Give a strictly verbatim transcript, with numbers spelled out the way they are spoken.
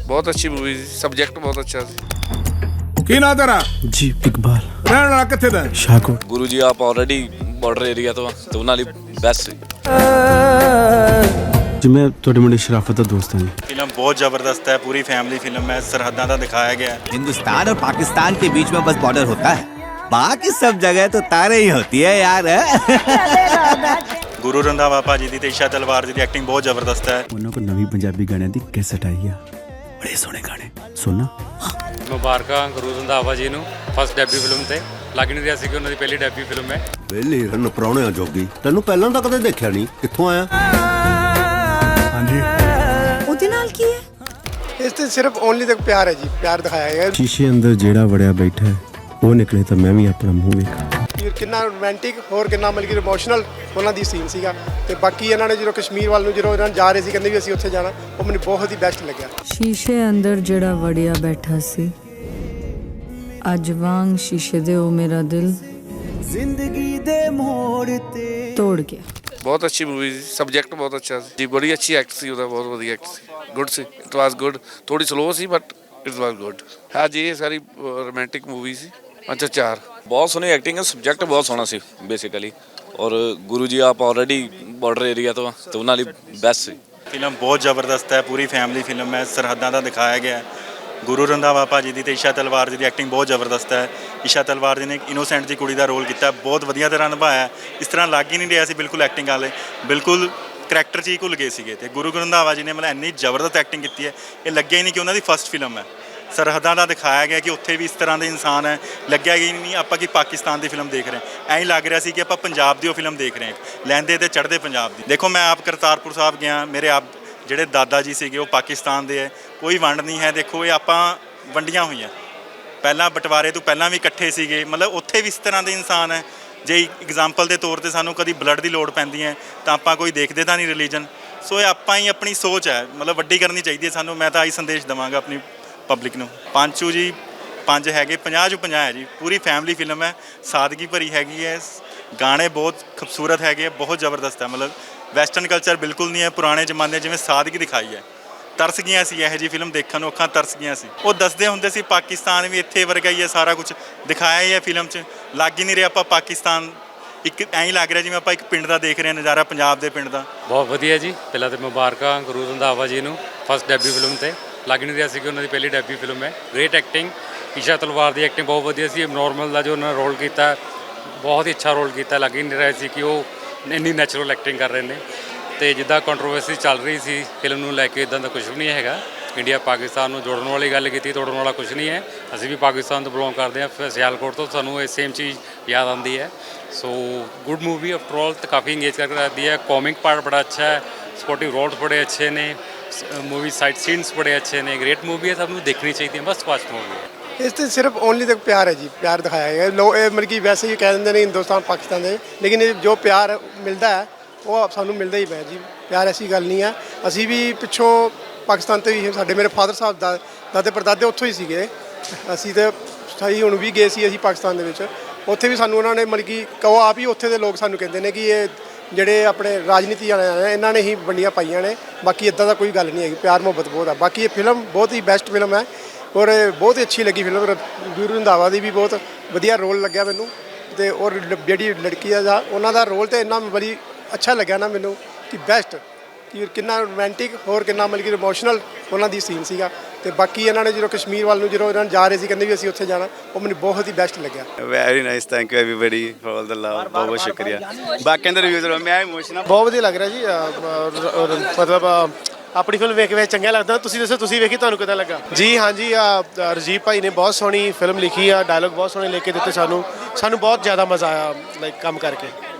बहुत अच्छी मूवी थी, सब्जेक्ट बहुत अच्छा थी। ਕੀ ਨਾਂ ਤੇਰਾ? ਜੀ ਇਕਬਾਲ ਰਹਿਣ ਵਾਲਾ ਕਿੱਥੇ ਦਾ? ਸ਼ਾਹਕੋਟ। ਗੁਰੂ ਜੀ ਆਪ ਆਲਰੇਡੀ ਬਾਰਡਰ ਏਰੀਆ ਤੋਂ ਤੇ ਉਹਨਾਂ ਲਈ ਬੈਸਟ ਸੀ। ਜੀ ਮੈਂ ਤੁਹਾਡੇ ਮੁੰਡੇ ਸ਼ਰਾਫਤ ਦਾ ਦੋਸਤ ਹਾਂ ਜੀ। फिल्म बहुत ज़बरदस्त है, पूरी फैमिली फिल्म है, सरहदा का दिखाया गया है। हिंदुस्तान और पाकिस्तान के बीच में बस बॉर्डर होता है, बाकी सब जगह तो तारे ही होती है यार। गुरु रंधावा भाजी दी ते ईशा तलवार जी दी एक्टिंग बहुत ज़बरदस्त है। ਉਹਨਾਂ ਕੋਲ ਨਵੀਂ ਪੰਜਾਬੀ ਗਾਣਿਆਂ ਦੀ ਕੈਸਟ ਆਈ ਆ, ਬੜੇ ਸੋਹਣੇ ਗਾਣੇ ਸੁਣਨਾ। ਮੁਬਾਰਕਾਂ ਗੁਰੂ ਰੰਧਾਵਾ ਜੀ ਨੂੰ ਫਸਟ ਡੈਬਿਊ ਫਿਲਮ ਤੇ। ਲੱਗ ਨਹੀਂ ਰਿਹਾ ਸੀ ਕਿ ਉਹਨਾਂ ਦੀ ਪਹਿਲੀ ਡੈਬਿਊ ਫਿਲਮ ਹੈ। ਵੇਲੇ ਰਨ ਪਰਾਉਣਿਆਂ ਜੋਗੀ ਤੈਨੂੰ ਪਹਿਲਾਂ ਤਾਂ ਕਦੇ ਦੇਖਿਆ ਨਹੀਂ, ਕਿੱਥੋਂ ਆਇਆ? ਹਾਂਜੀ ਉਹਦੇ ਨਾਲ ਕੀ ਹੈ? ਇਸ ਤੇ ਸਿਰਫ ਓਨਲੀ ਤੱਕ ਪਿਆਰ ਹੈ ਜੀ, ਪਿਆਰ ਦਿਖਾਇਆ ਗਿਆ। ਸ਼ੀਸ਼ੇ ਅੰਦਰ ਜਿਹੜਾ ਵੜਿਆ ਬੈਠਾ ਹੈ, ਉਹ ਨਿਕਲੇ ਤਾਂ ਮੈਂ ਵੀ ਆਪਣਾ ਮੂੰਹ ਵੇਖਾਂ। ਕਿੰਨਾ ਰੋਮਾਂਟਿਕ ਹੋਰ ਕਿੰਨਾ ਮਤਲਬ ਕਿ ਇਮੋਸ਼ਨਲ ਉਹਨਾਂ ਦੀ ਸੀਨ ਸੀਗਾ। ਤੇ ਬਾਕੀ ਇਹਨਾਂ ਨੇ ਜਦੋਂ ਕਸ਼ਮੀਰ ਵੱਲ ਨੂੰ ਜਦੋਂ ਇਹਨਾਂ ਜਾ ਰਹੇ ਸੀ, ਕਹਿੰਦੇ ਵੀ ਅਸੀਂ ਉੱਥੇ ਜਾਣਾ, ਉਹ ਮੈਨੂੰ ਬਹੁਤ ਹੀ ਬੈਸਟ ਲੱਗਿਆ। ਸ਼ੀਸ਼ੇ ਅੰਦਰ ਜਿਹੜਾ ਵੜਿਆ ਬੈਠਾ ਸੀ, ਅੱਜ ਵਾਂਗ ਸ਼ੀਸ਼ੇ ਦੇ ਉਹ ਮੇਰਾ ਦਿਲ ਜ਼ਿੰਦਗੀ ਦੇ ਮੋੜ ਤੇ ਤੋੜ ਗਿਆ। बहुत अच्छी मूवी थी, सब्जेक्ट बहुत अच्छा सी जी, बड़ी अच्छी एक्ट सी, ਉਹਦਾ ਬਹੁਤ ਵਧੀਆ एक्ट सी, गुड सी, इट वाज गुड। थोड़ी स्लो सी बट इट वाज गुड। हाँ जी, ये सारी रोमांटिक मूवी सी। अच्छा चार ਬਹੁਤ ਸੋਹਣੀ ਐਕਟਿੰਗ ਹੈ, ਸਬਜੈਕਟ ਬਹੁਤ ਸੋਹਣਾ ਸੀ ਬੇਸਿਕਲੀ। ਔਰ ਗੁਰੂ ਜੀ ਆਪ ਆਲਰੇਡੀ ਬਾਰਡਰ ਏਰੀਆ ਤੋਂ ਤੇ ਉਹਨਾਂ ਲਈ ਬੈਸਟ ਸੀ। फिल्म बहुत ज़बरदस्त है, पूरी फैमिली फिल्म है, सरहदा का दिखाया गया है। गुरु रंधावा भाजी दी ते ईशा तलवार जी दी एक्टिंग बहुत ज़बरदस्त है। ईशा तलवार जी ने एक इनोसेंट जी कुड़ी का रोल किया, बहुत वधिया तरह निभाया। इस तरह लग ही नहीं रहा सी बिल्कुल एक्टिंग वाले, बिल्कुल करैक्टर च ही भुल गए थे। गुरु रंधावा जी ने मतलब इन्नी ज़बरदस्त एक्टिंग की है, ये लगे ही नहीं कि उन्होंने फस्ट फिल्म है। सरहदा का दिखाया गया कि उत्थे भी इस तरह के इंसान है, लग्या ही नहीं आप कि पाकिस्तान की फिल्म देख रहे हैं। ऐ लग रहा है कि आप पंजाब की फिल्म देख रहे हैं, लैंदे तो चढ़ते पंजाब की। देखो मैं आप करतारपुर साहब गया, मेरे आप ਜਿਹੜੇ ਦਾਦਾ ਜੀ ਸੀਗੇ ਉਹ ਪਾਕਿਸਤਾਨ ਦੇ ਹੈ, ਕੋਈ ਵੰਡ ਨਹੀਂ ਹੈ। ਦੇਖੋ ਇਹ ਆਪਾਂ ਵੰਡੀਆਂ ਹੋਈਆਂ, ਪਹਿਲਾਂ ਬਟਵਾਰੇ ਤੋਂ ਪਹਿਲਾਂ ਵੀ ਇਕੱਠੇ ਸੀਗੇ, ਮਤਲਬ ਉੱਥੇ ਵੀ ਇਸ ਤਰ੍ਹਾਂ ਦੇ ਇਨਸਾਨ ਹੈ। ਜੇ ਐਗਜ਼ਾਮਪਲ ਦੇ ਤੌਰ ਤੇ ਸਾਨੂੰ ਕਦੀ ਬਲੱਡ ਦੀ ਲੋੜ ਪੈਂਦੀ ਹੈ ਤਾਂ ਆਪਾਂ ਕੋਈ ਦੇਖਦੇ ਤਾਂ ਨਹੀਂ ਰਿਲੀਜਨ। ਸੋ ਇਹ ਆਪਾਂ ਹੀ ਆਪਣੀ ਸੋਚ ਹੈ, ਮਤਲਬ ਵੱਡੀ ਕਰਨੀ ਚਾਹੀਦੀ ਹੈ ਸਾਨੂੰ। ਮੈਂ ਤਾਂ ਆਹੀ ਸੰਦੇਸ਼ ਦੇਵਾਂਗਾ ਆਪਣੀ ਪਬਲਿਕ ਨੂੰ। ਪੰਚੂ ਜੀ ਪੰਜ ਹੈਗੇ, ਪੰਜਾਹ ਚੋਂ ਪੰਜਾਹ ਹੈ ਜੀ। ਪੂਰੀ ਫੈਮਿਲੀ ਫਿਲਮ ਹੈ, ਸਾਦਗੀ ਭਰੀ ਹੈਗੀ ਹੈ, ਗਾਣੇ ਬਹੁਤ ਖੂਬਸੂਰਤ ਹੈਗੇ, ਬਹੁਤ ਜ਼ਬਰਦਸਤ ਹੈ। ਮਤਲਬ ਵੈਸਟਰਨ ਕਲਚਰ ਬਿਲਕੁਲ ਨਹੀਂ ਹੈ, ਪੁਰਾਣੇ ਜ਼ਮਾਨੇ ਜਿਵੇਂ ਸਾਦਗੀ ਦਿਖਾਈ ਹੈ। ਤਰਸ ਗਈਆਂ ਸੀ ਇਹੋ ਜਿਹੀ ਫਿਲਮ ਦੇਖਣ ਨੂੰ, ਅੱਖਾਂ ਤਰਸ ਗਈਆਂ ਸੀ। ਉਹ ਦੱਸਦੇ ਹੁੰਦੇ ਸੀ ਪਾਕਿਸਤਾਨ ਵੀ ਇੱਥੇ ਵਰਗਾ ਹੀ ਹੈ, ਸਾਰਾ ਕੁਝ ਦਿਖਾਇਆ ਹੀ ਹੈ ਫਿਲਮ 'ਚ। ਲੱਗ ਹੀ ਨਹੀਂ ਰਿਹਾ ਆਪਾਂ ਪਾਕਿਸਤਾਨ, ਇੱਕ ਐਂ ਹੀ ਲੱਗ ਰਿਹਾ ਜਿਵੇਂ ਆਪਾਂ ਇੱਕ ਪਿੰਡ ਦਾ ਦੇਖ ਰਹੇ ਹਾਂ ਨਜ਼ਾਰਾ, ਪੰਜਾਬ ਦੇ ਪਿੰਡ ਦਾ। ਬਹੁਤ ਵਧੀਆ ਜੀ। ਪਹਿਲਾਂ ਤਾਂ ਮੁਬਾਰਕਾਂ ਗੁਰੂ ਰੰਧਾਵਾ ਜੀ ਨੂੰ ਫਸਟ ਡੈਬਿਊ ਫਿਲਮ ਤੇ। ਲੱਗ ਨਹੀਂ ਰਿਹਾ ਸੀ ਕਿ ਉਹਨਾਂ ਦੀ ਪਹਿਲੀ ਡੈਬਿਊ ਫਿਲਮ ਹੈ। ਗ੍ਰੇਟ ਐਕਟਿੰਗ, ਈਸ਼ਾ ਤਲਵਾਰ ਦੀ ਐਕਟਿੰਗ ਬਹੁਤ ਵਧੀਆ ਸੀ। ਨੋਰਮਲ ਦਾ ਜੋ ਉਹਨਾਂ ਨੇ ਰੋਲ ਕੀਤਾ, ਬਹੁਤ ਹੀ ਅੱਛਾ ਰੋਲ ਕੀਤਾ। ਲੱਗ ਹੀ ਨਹੀਂ ਰਿਹਾ ਸੀ ਕਿ ਉਹ ਇੰਨੀ ਨੈਚੁਰਲ ਐਕਟਿੰਗ ਕਰ ਰਹੇ ਨੇ। ਤੇ ਜਿੱਦਾਂ ਕੰਟਰੋਵਰਸੀ ਚੱਲ ਰਹੀ ਸੀ ਫਿਲਮ ਨੂੰ ਲੈ ਕੇ, ਇੱਦਾਂ ਦਾ ਕੁਝ ਵੀ ਨਹੀਂ ਹੈਗਾ। ਇੰਡੀਆ ਪਾਕਿਸਤਾਨ ਨੂੰ ਜੋੜਨ ਵਾਲੀ ਗੱਲ ਕੀਤੀ, ਤੋੜਨ ਵਾਲਾ ਕੁਝ ਨਹੀਂ ਹੈ। ਅਸੀਂ ਵੀ ਪਾਕਿਸਤਾਨ ਤੋਂ ਬਿਲੋਂਗ ਕਰਦੇ ਹਾਂ, ਫਿਰ ਸਿਆਲਕੋਟ ਤੋਂ, ਸਾਨੂੰ ਇਹ ਸੇਮ ਚੀਜ਼ ਯਾਦ ਆਉਂਦੀ ਹੈ। So good movie after all, ਤੇ ਕਾਫੀ ਇੰਗੇਜ ਕਰਕੇ ਰੱਖਦੀ ਹੈ। ਕॉमिक ਪਾर्ट बड़ा अच्छा है, ਸਪੋਰਟਿਵ ਰੋਲਸ ਬੜੇ ਅੱਛੇ ਨੇ, मूवी साइड सीन्स बड़े अच्छे ने। ग्रेट मूवी है, सब ਨੂੰ ਦੇਖਣੀ ਚਾਹੀਦੀ ਹੈ, ਮਸਟ ਵਾਚ मूवी है। ਇਸ ਤੇ ਸਿਰਫ ਓਨਲੀ ਤੱਕ ਪਿਆਰ ਹੈ ਜੀ, ਪਿਆਰ ਦਿਖਾਇਆ ਗਿਆ। ਲੋ ਇਹ ਮਤਲਬ ਕਿ ਵੈਸੇ ਹੀ ਕਹਿ ਦਿੰਦੇ ਨੇ ਹਿੰਦੁਸਤਾਨ ਪਾਕਿਸਤਾਨ ਦੇ, ਲੇਕਿਨ ਇਹ ਜੋ ਪਿਆਰ ਮਿਲਦਾ ਹੈ ਉਹ ਸਾਨੂੰ ਮਿਲਦਾ ਹੀ ਪਿਆ ਜੀ। ਪਿਆਰ ਐਸੀ ਗੱਲ ਨਹੀਂ ਹੈ। ਅਸੀਂ ਵੀ ਪਿੱਛੋਂ ਪਾਕਿਸਤਾਨ ਤੋਂ ਹੀ, ਸਾਡੇ ਮੇਰੇ ਫਾਦਰ ਸਾਹਿਬ ਦਾ ਦਾਦੇ ਪੜਦਾਦੇ ਉੱਥੋਂ ਹੀ ਸੀਗੇ। ਅਸੀਂ ਤਾਂ ਸਹੀ ਹੁਣ ਵੀ ਗਏ ਸੀ ਅਸੀਂ ਪਾਕਿਸਤਾਨ ਦੇ ਵਿੱਚ, ਉੱਥੇ ਵੀ ਸਾਨੂੰ ਉਹਨਾਂ ਨੇ ਮਤਲਬ ਕਿ ਕਹੋ ਆਪ ਹੀ ਉੱਥੇ ਦੇ ਲੋਕ ਸਾਨੂੰ ਕਹਿੰਦੇ ਨੇ ਕਿ ਇਹ ਜਿਹੜੇ ਆਪਣੇ ਰਾਜਨੀਤੀ ਵਾਲੇ ਨੇ ਇਹਨਾਂ ਨੇ ਹੀ ਵੰਡੀਆਂ ਪਾਈਆਂ ਨੇ, ਬਾਕੀ ਇੱਦਾਂ ਦਾ ਕੋਈ ਗੱਲ ਨਹੀਂ ਹੈਗੀ। ਪਿਆਰ ਮੁਹੱਬਤ ਬਹੁਤ ਆ। ਬਾਕੀ ਇਹ ਫਿਲਮ ਬਹੁਤ ਹੀ ਬੈਸਟ ਫਿਲਮ ਹੈ ਔਰ ਬਹੁਤ ਹੀ ਅੱਛੀ ਲੱਗੀ ਫਿਲਮ। ਗੁਰੂ ਰੰਧਾਵਾ ਦੀ ਵੀ ਬਹੁਤ ਵਧੀਆ ਰੋਲ ਲੱਗਿਆ ਮੈਨੂੰ, ਅਤੇ ਔਰ ਜਿਹੜੀ ਲੜਕੀ ਆ ਦਾ ਉਹਨਾਂ ਦਾ ਰੋਲ ਤਾਂ ਇੰਨਾ ਬੜੀ ਅੱਛਾ ਲੱਗਿਆ ਨਾ ਮੈਨੂੰ ਕਿ ਬੈਸਟ, ਕਿ ਕਿੰਨਾ ਰੋਮਾਂਟਿਕ ਹੋਰ ਕਿੰਨਾ ਮਤਲਬ ਕਿ ਇਮੋਸ਼ਨਲ ਉਹਨਾਂ ਦੀ ਸੀਨ ਸੀਗਾ। ਅਤੇ ਬਾਕੀ ਇਹਨਾਂ ਨੇ ਜਦੋਂ ਕਸ਼ਮੀਰ ਵੱਲ ਨੂੰ ਜਦੋਂ ਇਹਨਾਂ ਜਾ ਰਹੇ ਸੀ, ਕਹਿੰਦੇ ਵੀ ਅਸੀਂ ਉੱਥੇ ਜਾਣਾ, ਉਹ ਮੈਨੂੰ ਬਹੁਤ ਹੀ ਬੈਸਟ ਲੱਗਿਆ। Very nice, thank you everybody for all the love. ਬਹੁਤ ਬਹੁਤ ਸ਼ੁਕਰੀਆ। ਬਾਕੀ ਦੇ ਰਿਵਿਊਜ਼ ਮੈਂ ਇਮੋਸ਼ਨਲ ਬਹੁਤ ਵਧੀਆ ਲੱਗ ਰਿਹਾ ਜੀ। ਮਤਲਬ ਆਪਣੀ ਫਿਲਮ ਵੇਖ ਕੇ ਚੰਗਾ ਲੱਗਦਾ। ਤੁਸੀਂ ਦੱਸੋ, ਤੁਸੀਂ ਵੇਖੀ, ਤੁਹਾਨੂੰ ਕਿੱਦਾਂ ਲੱਗਾ? ਜੀ ਹਾਂਜੀ, ਰਜੀਵ ਭਾਈ ਨੇ ਬਹੁਤ ਸੋਹਣੀ ਫਿਲਮ ਲਿਖੀ ਆ, ਡਾਇਲੋਗ ਬਹੁਤ ਸੋਹਣੇ ਲਿਖ ਕੇ ਦਿੱਤੇ ਸਾਨੂੰ। ਸਾਨੂੰ ਬਹੁਤ ਜ਼ਿਆਦਾ ਮਜ਼ਾ ਆਇਆ ਲਾਈਕ ਕੰਮ ਕਰਕੇ।